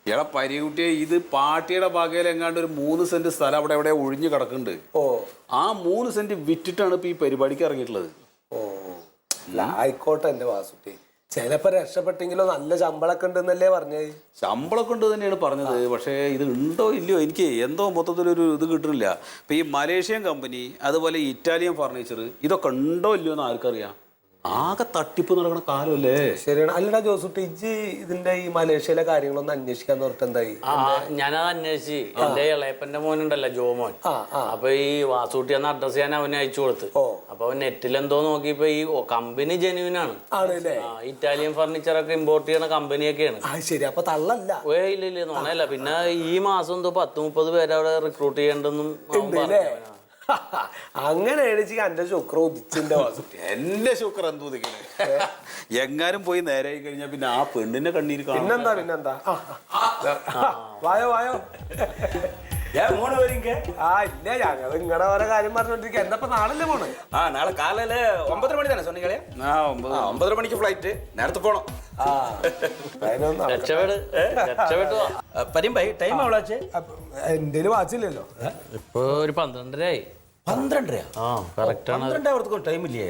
എടാ പരികുട്ടിയെ ഇത് പാർട്ടിയുടെ ഭാഗയിൽ എങ്ങാണ്ട് ഒരു 3 സെന്റ് സ്ഥലം അവിടെ എവിടെ ഒഴിഞ്ഞു കിടക്കുന്നുണ്ട്. ആ 3 സെന്റ് വിറ്റിട്ടാണ് ഇപ്പൊ ഈ പരിപാടിക്ക് ഇറങ്ങിയിട്ടുള്ളത്. ആയിക്കോട്ടെ എന്റെ വാസുട്ടി, ചിലപ്പോ രക്ഷപ്പെട്ടെങ്കിലോ നല്ല ശമ്പളമൊക്കെ ഉണ്ടെന്നല്ലേ പറഞ്ഞത്. ശമ്പളമൊക്കെ ഉണ്ട് തന്നെയാണ് പറഞ്ഞത്. പക്ഷേ ഇത് ഉണ്ടോ ഇല്ലയോ എനിക്ക് എന്തോ മൊത്തത്തിലൊരു ഇത് കിട്ടുന്നില്ല. ഇപ്പൊ ഈ മലേഷ്യൻ കമ്പനി അതുപോലെ ഇറ്റാലിയൻ ഫർണിച്ചർ ഇതൊക്കെ ഉണ്ടോ ഇല്ലയോ എന്ന് ആർക്കറിയാം. ആകെ തട്ടിപ്പ് നടക്കുന്ന കാലമല്ലേ. ശരിയാണ്. അല്ലടാ ജോസുട്ടി, ഇജ്ജ് ഇതിന്റെ ഈ മലേഷ്യയിലെ കാര്യങ്ങളൊന്നും അന്വേഷിക്കാന്ന് പറഞ്ഞിട്ട് എന്തായി? ഞാനത് അന്വേഷിച്ച് എന്റെ ഇളയപ്പന്റെ മോനുണ്ടല്ലോ ജോമോൻ, അപ്പൊ ഈ വാസൂട്ടി എന്ന അഡ്രസ് ഞാൻ അവന് അയച്ചു കൊടുത്ത്. അപ്പൊ അവൻ നെറ്റിൽ എന്തോ നോക്കിയപ്പോ ഈ കമ്പനി ജെന്യൂനാണ്. ഇറ്റാലിയൻ ഫർണിച്ചർ ഒക്കെ ഇമ്പോർട്ട് ചെയ്യണ കമ്പനിയൊക്കെയാണ്. ശരി, അപ്പൊ തള്ളല്ല. ഇല്ല നോണല്ല. പിന്നെ ഈ മാസം എന്തോ 10-30 പേരെ അവിടെ റിക്രൂട്ട് ചെയ്യണ്ടെന്നും അങ്ങനെയാണ് എന്റെ ശുക്ര ഉദിച്ചിന്റെ വാസുട്ടി. എന്റെ ശുക്ര എന്തോ എങ്ങാനും പോയി നേരെ കഴിഞ്ഞാ പിന്നെ ആ പെണ്ണിന്റെ കണ്ണീര് പിന്നെന്താ വായോ വായോ. ഇല്ല, ഞങ്ങൾ നിങ്ങളുടെ ഓരോ കാര്യം പറഞ്ഞോണ്ടിരിക്കുക. എന്നപ്പോ നാളല്ലേ പോണേ? നാളെ കാലയില് 9:30 മണി തന്നെ சொன்னீங்களே. 9:30 മണിക്ക് ഫ്ലൈറ്റ്. നേരത്തെ പോണം. ടൈം എവ്വളാച്ച്? എന്റെ വാച്ചില്ലല്ലോ. ഇപ്പൊ ഒരു 12:30 ആയി. 12:30? കറക്റ്റ് ആണ്. 12 ടൈം ഇല്ലേ?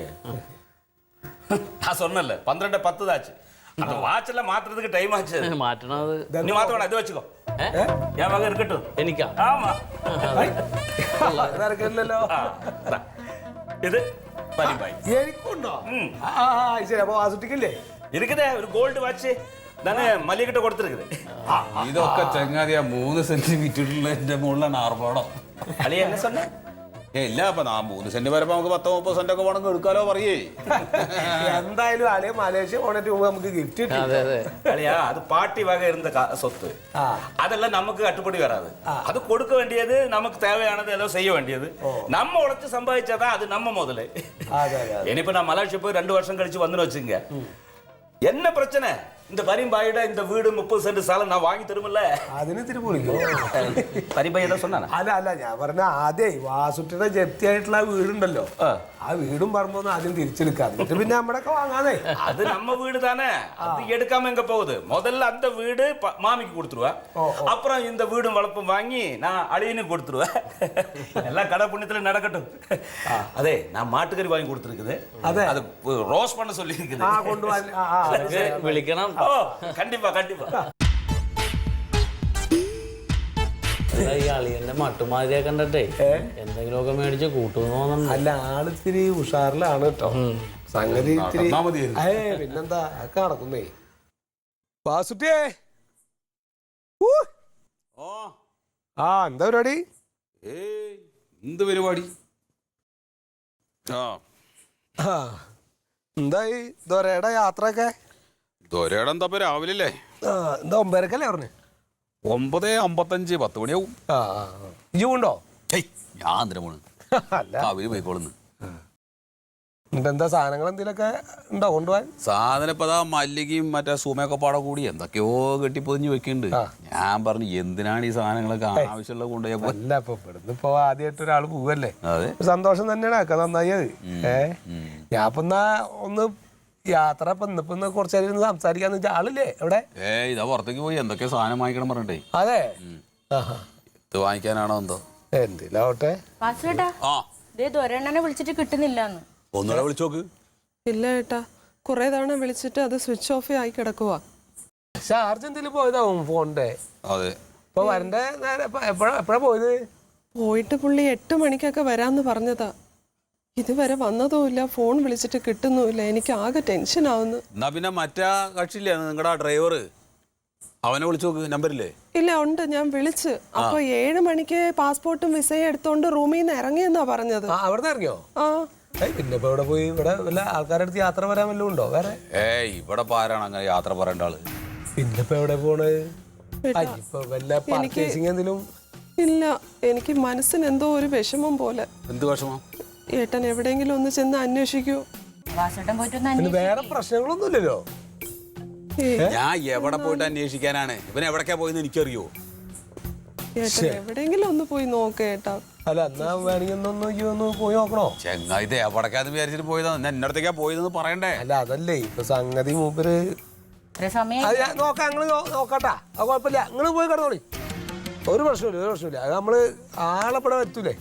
சொன்னல 12:10 தாச்சு. அந்த வாட்ச்ல மாத்துறதுக்கு டைம் ஆச்சு. മാറ്റണത് நீ மாத்த வேணாம், இது வச்சுக்கோ. என் மகன் இருக்கட்டும். എനിക്കാ? ஆமா. ഇറക്കില്ലല്ലോ. ഇത് പരിപാടി എനിക്കുണ്ടോ? ശരി, അപ്പൊ വാസുട്ടിക്കല്ലേ இருக்குதே ഒരു ഗോൾഡ് വാച്ച്. ഞാന് മല്ലികിட்ட കൊടുത്തിരിക്കുന്നത്. ഇതൊക്കെ ചങ്ങാതിയാ 3 സെന്റ് വിറ്റിട്ടുള്ള എന്റെ മുകളിലാണ് ആർഭാടം. അളി എന്നെ சொன்ன? ഇല്ല, അപ്പൊ 3 സെന്റ് വരുമ്പോ നമുക്ക് 10-30 സെന്റ് ഒക്കെ വേണമെങ്കിൽ എടുക്കാലോ പറയേ. എന്തായാലും അളിയ മലേഷ്യ പോണിട്ട് നമുക്ക് ഗിഫ്റ്റ് കിട്ടി. அழியா அது பாட்டி வகை இருந்த சொத்து. அதெல்லாம் நமக்கு கட்டுப்படி வராது. அது கொடுக்க வேண்டியது, நமக்கு தேவையானது எல்லாம் செய்ய வேண்டியது. நம்ம உழைச்சு சம்பாதிச்சாதான் அது நம்ம முதல்ல. இனிப்ப நான் மலேசியா போய் 2 வருஷம் கழிச்சு வந்து வச்சுங்க, என்ன பிரச்சனை? இந்த பரிம்பாயிட இந்த வீடு 30 സെന്റ് സ്ഥലം நான் வாங்கி தருமில்ல. അതിന് ഇത്തിരി പൊളിക്കും. பரிம்பாய் ஏதோ சொன்னானா? അല്ല ഞാൻ പറഞ്ഞ ആദ്യേ വാസുട്ടിയുടെ ജപ്തിയായിട്ടുള്ള വീടുണ്ടല്ലോ, ആ വീടും പറമ്പൊന്നും ആദ്യം തിരിച്ചെടുക്കാം, പിന്നെ നമ്മുടെ ഒക്കെ വാങ്ങാതെ. அது நம்ம வீடு தானே, அது எடுக்காம எங்க போகுது? முதல்ல அந்த வீடு மாமிக்கு கொடுத்துருவேன், அப்புறம் இந்த வீடும் வளப்பும் வாங்கி நான் அழியனுக்கு கொடுத்துருவேன். எல்லாம் கடை புண்ணியத்துல நடக்கட்டும். அதே நான் மாட்டுக்கறி வாங்கி கொடுத்துருக்குது, அது ரோஸ் பண்ண சொல்லி இருக்குது. വിളിക്കണം. കണ്ടിപ്പാ കണ്ടിപ്പാ. ഈ അളിയന്റെ മട്ടുമാതിരിയെ കണ്ടിട്ടേ എന്തെങ്കിലുമൊക്കെ മേടിച്ച് കൂട്ടുന്നു. അല്ല, ആളിത്തിരി ഉഷാറിലാണ് കേട്ടോ സംഗതി. പിന്നെന്താ ഒക്കെ നടക്കുന്നേ. വാസുട്ടിയേ, എന്താ പരിപാടി? എന്ത് പരിപാടി? എന്തായി ദൊരയുടെ യാത്രയൊക്കെ? ദൊരയുടെ എന്താ രാവിലെ അല്ലേ? എന്താ 9:30 പറഞ്ഞു? 9:55 10 മണിയാവും. ഉണ്ടോ? ഞാൻ എന്തിനാ പോണ്? അവര് പോയിക്കോളുന്നു. എന്താ സാധനങ്ങൾ എന്തെങ്കിലുമൊക്കെ ഉണ്ടോ കൊണ്ടുപോകാൻ? സാധനം ഇപ്പൊ അതാ മല്ലികയും മറ്റേ സുമയൊക്കെ പാടെ കൂടി എന്തൊക്കെയോ കെട്ടിപ്പൊതിഞ്ഞ് വെക്കുന്നുണ്ട്. ഞാൻ പറഞ്ഞു എന്തിനാണ് ഈ സാധനങ്ങളൊക്കെ ആവശ്യമുള്ള കൊണ്ടുപോയപ്പോ. അല്ല, ഇപ്പൊ ഇവിടുന്ന് ഇപ്പൊ ആദ്യമായിട്ട് ഒരാൾ പോവല്ലേ, സന്തോഷം തന്നെയാണ്. ഒക്കെ നന്നായി അത്. ഞാൻ ഇപ്പൊ ഒന്ന് യാത്ര ഇന്നിപ്പോ കുറച്ചു നേരം സംസാരിക്കാന്ന് വെച്ചാൽ ആളില്ലേ എവിടെ? ഇതാ പുറത്തേക്ക് പോയി എന്തൊക്കെ സാധനം വാങ്ങിക്കണം പറഞ്ഞിട്ടേ. അതെ, ഇത് വാങ്ങിക്കാനാണോ എന്തോ എന്തിലാവട്ടെ. വിളിച്ചിട്ട് കിട്ടുന്നില്ലാന്ന് ഒന്നുകൂടെ വിളിച്ചോക്ക്. ഇല്ല ഏട്ടാ, കുറെ തവണ വിളിച്ചിട്ട് അത് സ്വിച്ച് ഓഫ് ആയി കിടക്കുവാ. ചാർജ് എന്തെങ്കിലും പോയതാവും ഫോണിന്റെ. അതെ, ഇപ്പൊ വരണ്ടേ നേരെ എപ്പോഴാ പോയത്? പോയിട്ട് പുള്ളി 8 മണിക്കൊക്കെ വരാന്ന് പറഞ്ഞതാ. ഇതുവരെ വന്നതുമില്ല, ഫോൺ വിളിച്ചിട്ട് കിട്ടുന്നുമില്ല. എനിക്ക് ആകെ ടെൻഷൻ ആവുന്നു. എന്നാ പിന്നെ മറ്റാ കക്ഷിയില്ലേ നിങ്ങളുടെ ഡ്രൈവർ, അവനെ വിളിച്ചു നോക്ക്. നമ്പറില്ലേ? ഇല്ല, ഉണ്ട്. ഞാൻ വിളിച്ച്. അപ്പൊ 7 മണിക്ക് പാസ്പോർട്ടും വിസയും എടുത്തോണ്ട് റൂമിൽ നിന്ന് ഇറങ്ങിയെന്നാ പറഞ്ഞത്. അവിടെ ഇറങ്ങിയോ? പിന്നെ ഇപ്പൊ ഇവിടെ പോയി ഇവിടെ വല്ല ആൾക്കാരുടെ അടുത്ത് യാത്ര പറയാൻ വല്ലതും ഉണ്ടോ വേറെ? ഇവിടെ ആരാണ് അങ്ങനെ യാത്ര പറയേണ്ട ആള്? പിന്നെ ഇപ്പൊ എവിടെ പോണ്? വല്ല പർച്ചേസിംഗ് എന്തെങ്കിലും? ഇല്ല, എനിക്ക് മനസ്സിന് എന്തോ ഒരു വിഷമം പോലെ. എന്ത് വിഷമം? ഏട്ടൻ എവിടെയെങ്കിലും ഒന്ന് ചെന്ന് അന്വേഷിക്കൂ. വേറെ പ്രശ്നങ്ങളൊന്നും ഇല്ലല്ലോ. ഞാൻ എവിടെ പോയിട്ട് അന്വേഷിക്കാനാണ്? ഇവൻ എവിടേക്കാ പോയെന്ന് എനിക്കറിയോ? ഏട്ടൻ എവിടെയെങ്കിലും ഒന്ന് പോയി നോക്കേട്ടാ. അല്ല, എന്നാ വേണമെങ്കിൽ ഒന്ന് പോയി നോക്കണോ? ചെങ്ങായി ഇത് എവിടേക്കാന്ന് വിചാരിച്ചിട്ട് പോയതാ? എന്നെ അടുത്തേക്കാ പോയതെന്ന് പറയണ്ടേ? അല്ല, അതല്ലേ ഇപ്പൊ സംഗതി മൂപ്പര് അത് ഞാൻ നോക്കാം, ഞങ്ങള് നോക്കാട്ടാ. അത് കുഴപ്പമില്ല, നിങ്ങള് പോയി കിടന്നോളി. ഒരു പ്രശ്നമില്ല. അത് നമ്മള് ആളെപ്പെടാൻ എത്തൂലേ.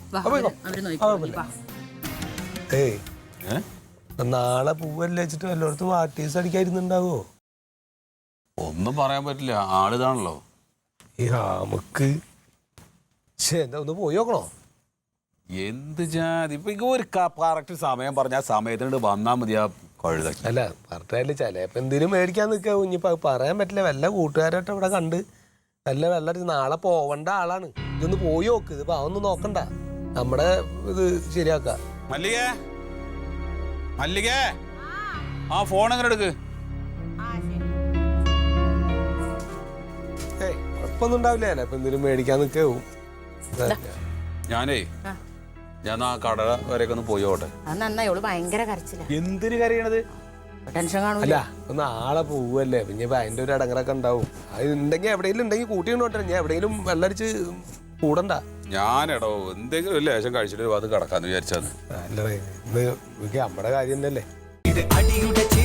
ഏയ് നാളെ പൂവല്ലേ വെച്ചിട്ട് വല്ലയിടത്തും വാട്ടീസ് അടിക്കാതിരുന്നുണ്ടാവോ? ഒന്നും പറയാൻ പറ്റില്ല, ആളിതാണല്ലോ. ഈ നമുക്ക് എന്താ ഒന്ന് പോയി നോക്കണോ? എന്ത് ജാതി ഇപ്പൊ ഒരു കറക്റ്റ് സമയം പറഞ്ഞ ആ സമയത്തിനോട് വന്നാ മതി. ആ കഴുതാക്കി അല്ല പറഞ്ഞാല് ചിലപ്പോ എന്തിനും മേടിക്കാൻ നിൽക്കുക. കുഞ്ഞിപ്പോ പറയാൻ പറ്റില്ല. വല്ല കൂട്ടുകാരായിട്ട് ഇവിടെ കണ്ട് വല്ല നാളെ പോവണ്ട ആളാണ്. ഇതൊന്ന് പോയി നോക്ക്. ഇതിപ്പോ അതൊന്നും നോക്കണ്ട, നമ്മുടെ ഇത് ശരിയാക്ക. മല്ലികേ ആ ഫോൺ എങ്ങനെ എടുക്ക്. ഏയ് കുഴപ്പമൊന്നും ഉണ്ടാവില്ല. ഇപ്പൊ എന്തിനും മേടിക്കാൻ നിൽക്കാവും. ഞാൻ ആ കട വരെയൊക്കെ ഒന്ന് പോയി ഓട്ടെ. എന്തിനു കരയണത്? അല്ല ഇപ്പൊ നാളെ പോവല്ലേ, പിന്നെ ഇപ്പൊ അതിന്റെ ഒരു ഇടങ്ങറൊക്കെ ഉണ്ടാവും. അത് ഉണ്ടെങ്കിൽ എവിടെയെങ്കിലും ഉണ്ടെങ്കിൽ കൂട്ടിക്കൊണ്ടോട്ടെ. ഞാൻ എവിടെയെങ്കിലും വെള്ളടിച്ച് കൂടണ്ട. ഞാനെടോ എന്തെങ്കിലും ഒരു ലേശം കഴിച്ചിട്ട് അത് കിടക്കാന്ന് വിചാരിച്ചാന്ന്. അല്ലേ ഇത് നമ്മുടെ കാര്യം തന്നെയല്ലേ. അടിയുടെ